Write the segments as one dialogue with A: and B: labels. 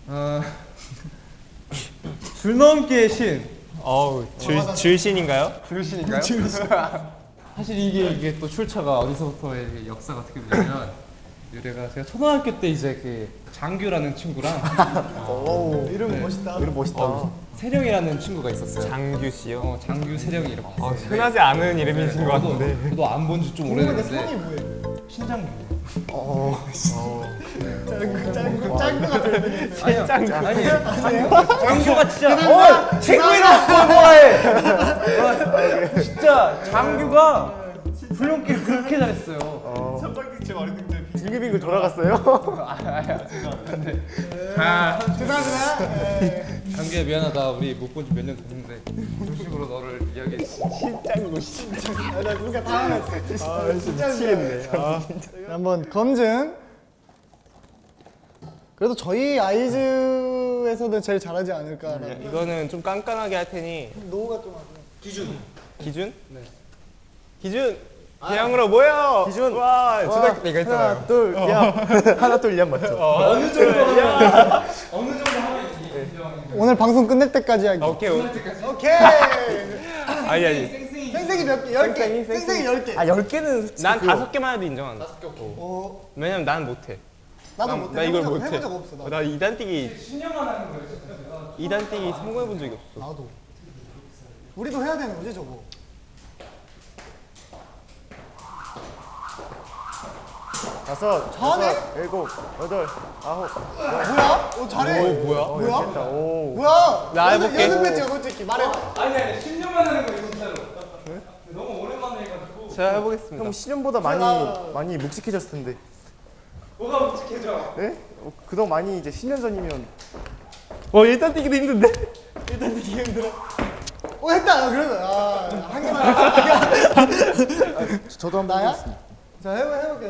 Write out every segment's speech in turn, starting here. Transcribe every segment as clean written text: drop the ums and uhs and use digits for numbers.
A: 줄넘기의 신.
B: 줄신인가요?
A: 줄신인가요? 사실 이게 또 출처가 어디서부터의 역사가 어떻게 되냐면 유래가 제가 초등학교 때 이제 그 장규라는 친구랑
C: 이름 멋있다.
D: 이름 멋있다.
A: 세령이라는 친구가 있었어요.
B: 장규 씨요?
A: 장규 세령이 이렇게 있어요.
B: 흔하지 않은 이름이신 것 같은데.
A: 저도 안 본 지 좀
C: 성이
A: 오래됐는데
C: 뭐예요?
A: 신장규.
C: 짱구가 들리네.
A: 아니요. 장규가 진짜 친구이랑 좋아해. 진짜 장규가 훈련기를 그렇게 잘했어요.
D: 빙글빙글 돌아갔어요?
C: 죄송합니다.
A: 장규야 미안하다. 우리 못 본 지 몇 년 됐는데 이런 식으로 너를 이야기했어.
C: 나 누가 당황했어.
D: 미치겠네.
C: 한번 검증. 그래도 저희 아이즈에서는 제일 잘하지 않을까라고.
B: 이거는 좀 깐깐하게 할 테니.
C: 노우가 좀 하고.
B: 기준? 네. 기준! 대형으로 모여!
D: 기준!
B: 와, 초등학교 때 이거 했잖아요.
D: 하나 둘 야. 하나 둘 야 맞죠?
A: 어느 정도 하면
C: 오늘 방송 끝낼 때까지 하기.
B: 오케이.
C: 오케이.
B: 아니.
C: 생생이 몇 개? 10개. 생생이 10개.
B: 10개는 난 5개만 해도 인정한다. 왜냐면 난 못해.
C: 나도 못해.
B: 나 이걸
C: 해본
B: 못해.
C: 적 없어. 나도.
B: 나 2단 뛰기,
A: 10년만 하는 거예요. 진짜.
B: 2단 뛰기 성공해본 적이 없어.
C: 나도. 우리도 해야 되는 거지 저거.
D: 다섯,
C: 잘하네?
D: 여섯, 일곱, 여덟, 아홉.
C: 뭐야? 잘해.
B: 뭐야?
C: 뭐야?
D: 오.
C: 뭐야?
B: 나 해볼게.
C: 연습했지 솔직히 말해봐.
A: 아니 10년만 하는 거예요 진짜로. 너무 오랜만에 해가지고.
B: 제가 해보겠습니다.
D: 형 시즌보다 많이 묵직해졌을 텐데.
A: 뭐가 묵직해져?
D: 네? 그동안 많이 이제 10년 전이면
B: 1단 뛰기도 힘든데?
C: 일단 되게 힘들어. 했다. 그래서 한 개만.
D: 저도 한번
C: 나야?
D: 해보겠습니다.
C: 자 해볼게.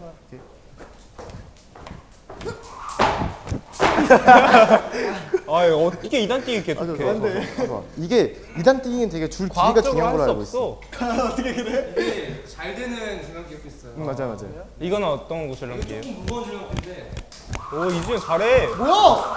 B: 어떻게 2단 뛰기 계속 해?
D: 이게 2단 뛰기는 되게 줄 길이가
B: 과학적으로
D: 중요한
B: 할
D: 걸로
B: 수
D: 알고 있어.
B: 없어.
C: 어떻게 그래?
A: 이게 잘 되는 줄넘기가 있어요.
D: 맞아.
B: 이거는 어떤 거 줄넘기예요?
A: 조금 무거운 줄넘기인데
B: 오, 이준이 잘해.
C: 뭐야?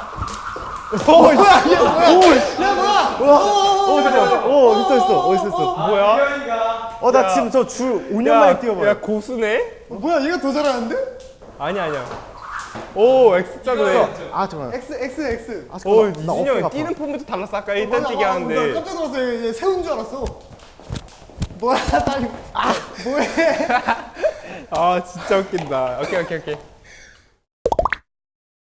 C: 뭐야? 야 뭐야?
D: 있어.
B: 뭐야?
A: 태현이가
D: 나 지금 저 줄 5년 만에 뛰어봐요.
B: 야, 고수네?
C: 뭐야? 얘가 더 잘하는데?
B: 아니야. 오, X자로 해.
D: 잠깐만.
C: X.
B: 오,
D: 나
B: 이준이
D: 어깨가
B: 형
D: 아파.
B: 뛰는 폼부터 달랐어. 아까
C: 나
B: 1단 뛰기 하는데.
C: 깜짝 놀랐어. 얘 세운 줄 알았어. 뭐야? 빨리. 뭐해?
B: 진짜 웃긴다. 오케이.